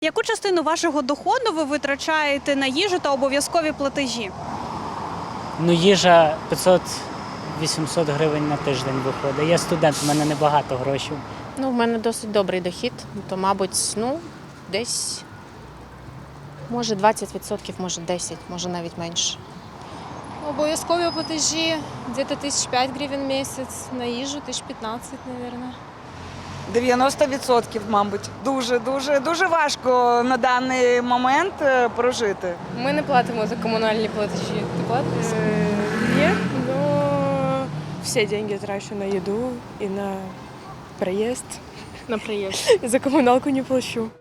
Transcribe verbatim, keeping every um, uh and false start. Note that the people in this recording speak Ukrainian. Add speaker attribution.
Speaker 1: Яку частину вашого доходу ви витрачаєте на їжу та обов'язкові платежі?
Speaker 2: Ну, їжа п'ятсот-вісімсот гривень на тиждень виходить. Я студент, в мене небагато грошей.
Speaker 3: Ну, в мене досить добрий дохід, то, мабуть, ну, десь, може, двадцять відсотків, може, десять, може, навіть менше.
Speaker 4: Обов'язкові платежі десь тисяч п'ять гривень в місяць, на їжу тисяч п'ятнадцять, мабуть.
Speaker 5: дев'яносто відсотків, мабуть. Дуже, дуже, дуже важко на даний момент е, прожити.
Speaker 4: Ми не платимо за комунальні платежі. Ти платиш?
Speaker 6: Нет, но все деньги трачу на еду и на проезд.
Speaker 4: На приїзд.
Speaker 6: За коммуналку не плачу.